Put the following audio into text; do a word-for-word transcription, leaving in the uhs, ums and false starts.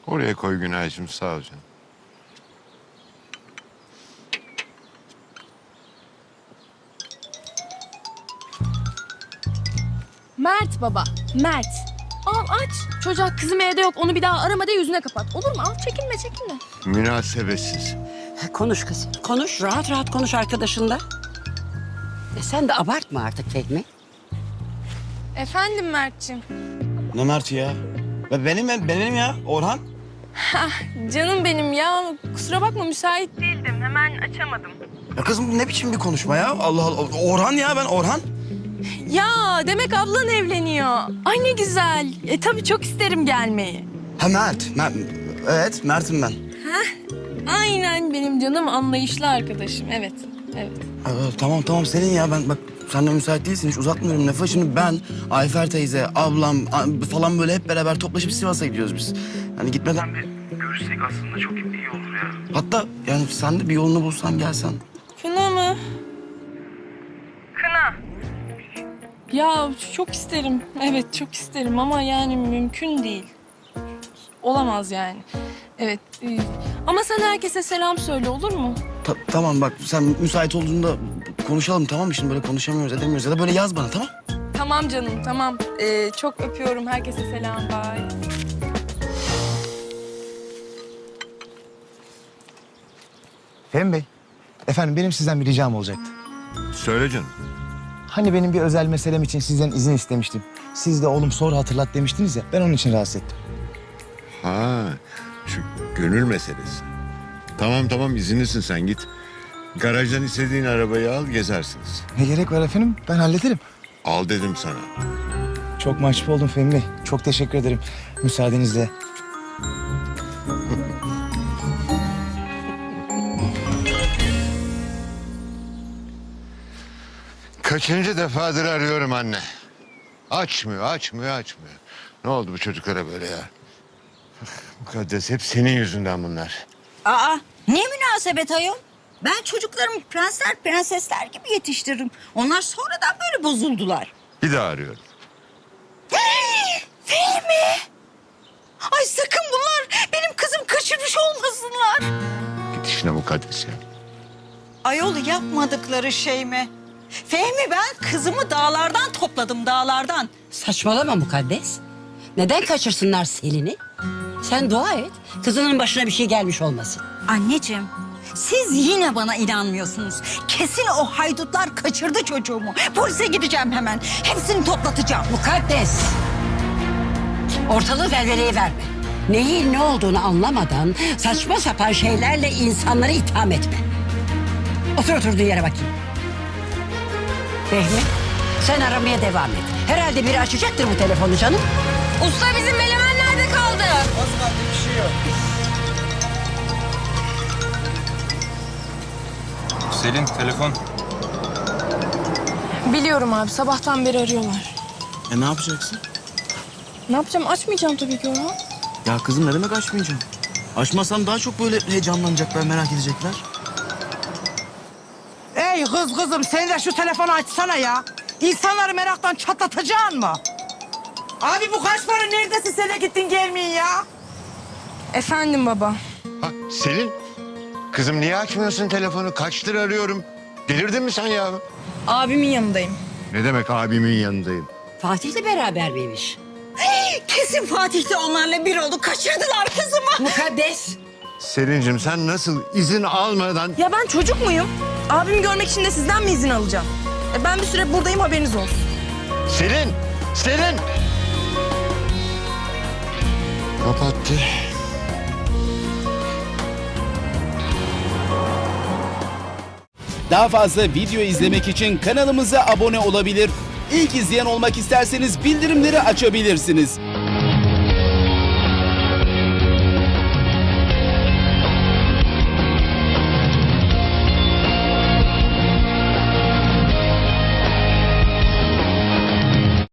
Oraya koy Günaycığım, sağ ol canım. Mert baba, Mert. Al aç. Çocuğa kızım evde yok. Onu bir daha arama de yüzüne kapat. Olur mu? Al çekinme çekinme. Münasebetsiz. Konuş kızım, konuş. Rahat rahat konuş arkadaşınla. E sen de abartma artık Fehmi. Efendim Mert'ciğim. Ne Mert ya? Be- Benim ben benim ya Orhan. Canım benim ya. Kusura bakma müsait değildim. Hemen açamadım. Ya kızım ne biçim bir konuşma ya? Allah Allah. Orhan ya ben Orhan. Ya demek ablan evleniyor. Ay ne güzel. E tabii çok isterim gelmeyi. Ha Mert. Mert. Evet Mert'im ben. Aynen benim canım anlayışlı arkadaşım. Evet, evet. Aa, tamam tamam senin ya ben bak sen de müsait değilsin hiç uzatmıyorum lafı. Şimdi ben, Ayfer teyze, ablam a- falan böyle hep beraber toplaşıp Sivas'a gidiyoruz biz. Yani gitmeden bir görüşsek aslında çok iyi olur ya. Hatta yani sen de bir yolunu bulsan gelsen. Kına mı? Kına. Ya çok isterim. Evet çok isterim ama yani mümkün değil. Olamaz yani. Evet. e, Ama sen herkese selam söyle olur mu? Ta- tamam bak sen müsait olduğunda konuşalım tamam mı? Şimdi böyle konuşamıyoruz edemiyoruz ya da böyle yaz bana tamam. Tamam canım tamam. Ee, çok öpüyorum. Herkese selam. Bye. Fehmi Bey, efendim benim sizden bir ricam olacaktı. Söyle canım. Hani benim bir özel meselem için sizden izin istemiştim. Siz de oğlum sonra hatırlat demiştiniz ya, ben onun için rahatsız ettim. Ha, şu gönül meselesi. Tamam tamam, izinlisin sen, git. Garajdan istediğin arabayı al, gezersiniz. Ne gerek var efendim, ben hallederim. Al dedim sana. Çok mahcup oldum Fehmi Bey, çok teşekkür ederim. Müsaadenizle. Kaçıncı defadır arıyorum anne. Açmıyor, açmıyor, açmıyor. Ne oldu bu çocuklara böyle ya? Mukaddes, hep senin yüzünden bunlar. Aa, ne münasebet ayol? Ben çocuklarımı prensler prensesler gibi yetiştiririm. Onlar sonradan böyle bozuldular. Bir daha arıyorum. Fehmi! Ay sakın bunlar benim kızım kaçırmış olmasınlar. Git işine Mukaddes ya. Ayol yapmadıkları şey mi? Fehmi ben kızımı dağlardan topladım dağlardan. Saçmalama Mukaddes. Neden kaçırsınlar Selin'i? Sen dua et, kızının başına bir şey gelmiş olmasın. Anneciğim siz yine bana inanmıyorsunuz. Kesin o haydutlar kaçırdı çocuğumu. Polise gideceğim hemen. Hepsini toplatacağım. Mukaddes! Ortalığı velveleye verme. Neyin ne olduğunu anlamadan saçma sapan şeylerle insanları itham etme. Otur oturduğun yere bakayım. Fehmi, sen aramaya devam et. Herhalde biri açacaktır bu telefonu canım. Usta bizim Melemen nerede kaldı? Selin telefon. Biliyorum abi. Sabahtan beri arıyorlar. E ne yapacaksın? Ne yapacağım? Açmayacağım tabii ki Orhan. Ya kızım ne demek açmayacağım? Açmasam daha çok böyle heyecanlanacaklar merak edecekler. Ey kız kızım sen de şu telefonu açsana ya. İnsanları meraktan çatlatacaksın mı? Abi bu kaç para neredesin sen de gittin gelmeyin ya. Efendim baba. Ha, Selin, kızım niye açmıyorsun telefonu? Kaçtır arıyorum. Delirdin mi sen ya? Abimin yanındayım. Ne demek abimin yanındayım? Fatih'le beraber miymiş? Kesin Fatih de onlarla bir oldu. Kaçırdılar kızımı. Mukaddes! Selin'cim sen nasıl izin almadan... Ya ben çocuk muyum? Abimi görmek için de sizden mi izin alacağım? E ben bir süre buradayım haberiniz olsun. Selin! Selin! Kapattı. Daha fazla video izlemek için kanalımıza abone olabilir. İlk izleyen olmak isterseniz bildirimleri açabilirsiniz.